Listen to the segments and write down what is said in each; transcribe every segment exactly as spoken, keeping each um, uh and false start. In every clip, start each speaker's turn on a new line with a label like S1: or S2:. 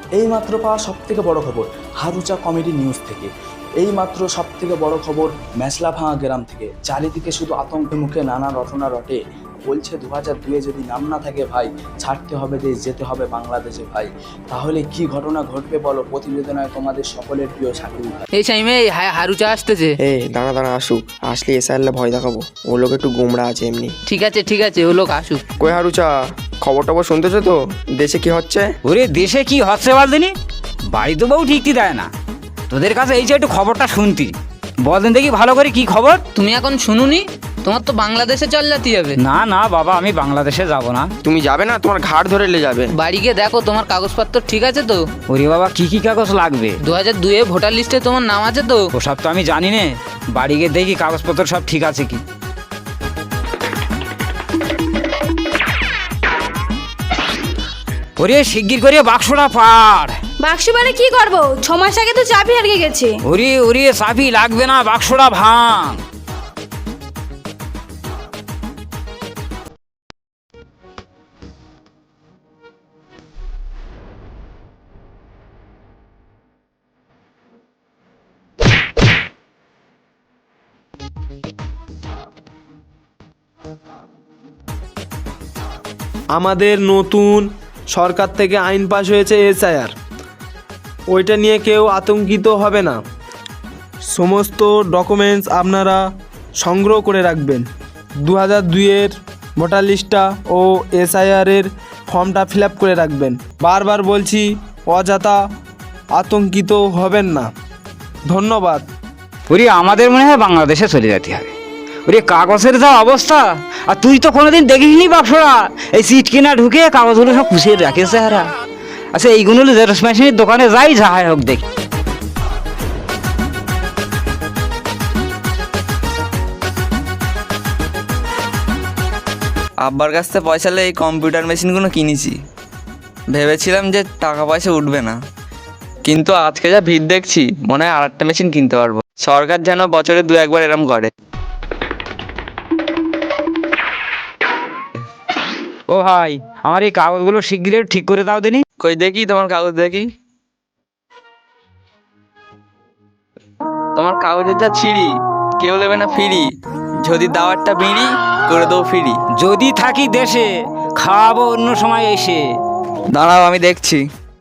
S1: এইমাত্র পাওয়া সব থেকে বড় খবর হারুচা কমেডি নিউজ থেকে। এইমাত্র সব থেকে বড় খবর মেছলাভাঙা গ্রাম থেকে। চারিদিকে শুধু আতঙ্কের মুখে নানা রটনা রটে। বলছে দু হাজার দুয়ে যদি নাম না থাকে ভাই, ছাড়তে হবে দেশ, যেতে হবে বাংলাদেশে ভাই। তাহলে কি ঘটনা ঘটবে বলো, প্রতিবেদনায় তোমাদের সকলের প্রিয় শাকিল ভাই।
S2: এই টাইমে হারুচা আসতেছে।
S3: এ দাঁড়া দাঁড়া আসুক, আসলে এসে আনলে ভয় দেখাবো। ও লোক একটু গোমড়া আছে এমনি।
S2: ঠিক আছে ঠিক আছে, ও লোক আসুক।
S3: কই হারুচা, খবর টবর শুনতেছো তো? দেশে কি হচ্ছে?
S4: ওরে দেশে কি হচ্ছে বলদিনি, বাড়িতে বউ ঠিকই দেয় না। তোদের কাছে এই যে একটু খবরটা শুনতি, বলদিন দেখি ভালো করে কি খবর।
S2: তুমি এখন শুনুনি? তোমার তো বাংলাদেশে চল যেতে হবে।
S4: না না বাবা, আমি বাংলাদেশে যাব না।
S3: তুমি যাবে না? তোমার ঘাট ধরে লে যাবে।
S2: বাড়ি গিয়ে দেখো তোমার কাগজপত্র ঠিক আছে তো?
S4: ওরে বাবা, কি কি কাগজ লাগবে?
S2: দু হাজার দুয়ে ভোটার লিস্টে তোমার নাম আছে তো?
S4: ওসব তো আমি জানি না, বাড়ি গিয়ে দেখি কাগজপত্র সব ঠিক আছে কি। ওরে শিগগির করে বাক্সটা পাড়।
S5: বাক্স মানে কি করবো? ছ মাস আগে তো চাবি হারিয়ে গেছে।
S4: ওরে ওরে চাবি লাগবে না, বাক্সটা ভাঙ।
S6: আমাদের নতুন সরকার থেকে আইন পাশ হয়েছে এসআইআর, ওইটা নিয়ে কেউ আতঙ্কিত হবে না। সমস্ত ডকুমেন্টস আপনারা সংগ্রহ করে রাখবেন। দু হাজার দুইয়ের ভোটার লিস্টটা ও এসআইআরের ফর্মটা ফিল আপ করে রাখবেন। বারবার বলছি, অযথা আতঙ্কিত হবেন না। ধন্যবাদ।
S4: ওরে আমাদের মনে হয় বাংলাদেশে চলে যেতে হবে। ওরে কাগজের যা অবস্থা, আর তুই তো কোনোদিন দেখিসনি বাক্সরা। এই সিট কিনা ঢুকে কাগজগুলো সব খুশিয়ে রাখেছে হারা। আচ্ছা এইগুলো জেরক্স মেশিনের দোকানে যাই, যাহাই হোক দেখি।
S7: আব্বার কাছ থেকে পয়সা নিয়ে এই কম্পিউটার মেশিনগুলো কিনেছি। ভেবেছিলাম যে টাকা পয়সা উঠবে না, কিন্তু আজকে যা ভিড় দেখছি মনে হয় আর একটা মেশিন কিনতে পারবো। সরকার যেন বছরে দু একবার এরম করে।
S4: ও ভাই, আমার এই কাগজগুলো শিগগির ঠিক করে দাও দিনি।
S7: কই দেখি তোমার কাগজ, দেখি তোমার কাগজের যা ছিঁড়ি, কেউ নেবে না ফিরি। যদি দাও একটা বিড়ি, করে দেবো ফিরি।
S4: যদি থাকি দেশে, খাওয়াবো অন্য সময় এসে।
S7: দাঁড়াও আমি দেখছি।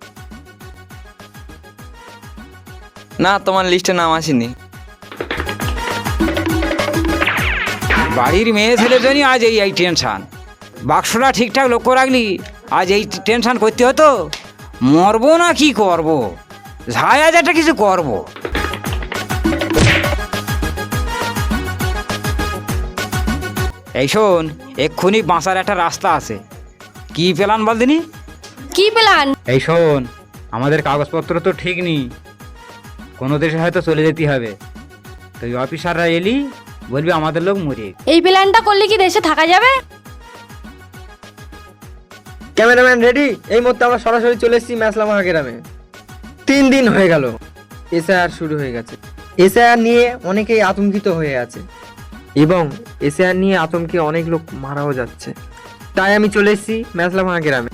S7: না, তোমার লিস্টে নাম আসেনি।
S4: বাড়ির মেয়ে ছেলের জন্য আজ এই এই টেনশন। বাক্সটা ঠিকঠাক লক্ষ্য রাখলি, আজ এই টেনশন করতে হতো। মরবো না কি করব, যাই আজ একটা কিছু করব। এই শোন, এক্ষুনি বাঁচার একটা রাস্তা আছে। কি প্ল্যান বল দিনি?
S5: কি প্ল্যান?
S4: এই শোন, আমাদের কাগজপত্র তো ঠিক নেই, কোনো দেশে হয়তো চলে যেতে হবে। তুই অফিসাররা এলি বলবি আমাদের লোক মরে।
S5: এই প্ল্যানটা করলে কি দেশে থাকা যাবে?
S3: Cameraman ready? এই মুহূর্তে আমরা সরাসরি চলে এসেছি মেছলাভাঙা গ্রামে। তিন দিন হয়ে গেল এসআইআর শুরু হয়ে গেছে। এসআইআর নিয়ে অনেকেই আতঙ্কিত হয়ে আছে এবং এসআইআর নিয়ে আতঙ্কে অনেক লোক মারাও যাচ্ছে। তাই আমি চলে এসেছি মেছলাভাঙা গ্রামে।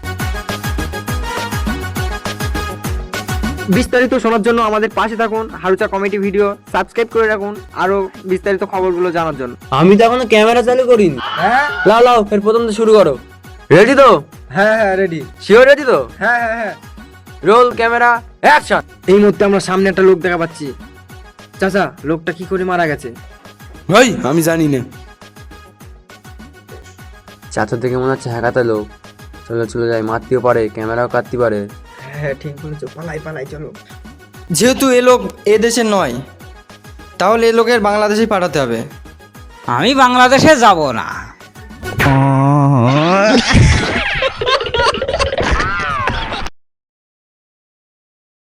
S3: বিস্তারিত শোনার জন্য আমাদের পাশে থাকুন। হারুচা কমেডি ভিডিও সাবস্ক্রাইব করে রাখুন আরো বিস্তারিত খবরগুলো জানার জন্য।
S6: আমি তো এখনো ক্যামেরা চালু করিনি।
S3: হ্যাঁ
S6: লাও লাও, এর প্রথম তো শুরু করো।
S3: রেডি তো? হ্যাঁ হ্যাঁ রেডি।
S6: শিওর রেডি তো?
S3: হ্যাঁ হ্যাঁ হ্যাঁ।
S6: Roll camera action.
S3: এই মুহূর্তে আমরা সামনে একটা লোক দেখা পাচ্ছি। চাচা, লোকটা কি করে মারা গেছে?
S6: ভাই আমি জানি না।
S8: চাচা থেকে মনে হচ্ছে হ্যাকাতে লোক। চলো চলে যাই, মারতেও পারে, ক্যামেরাও কাটতে পারে।
S3: হ্যাঁ ঠিক বলেছো, পালাই পালাই চলো।
S9: যেহেতু এ লোক এ দেশে নয়, তাহলে এ লোকের বাংলাদেশে পাঠাতে হবে।
S4: আমি বাংলাদেশে যাব না।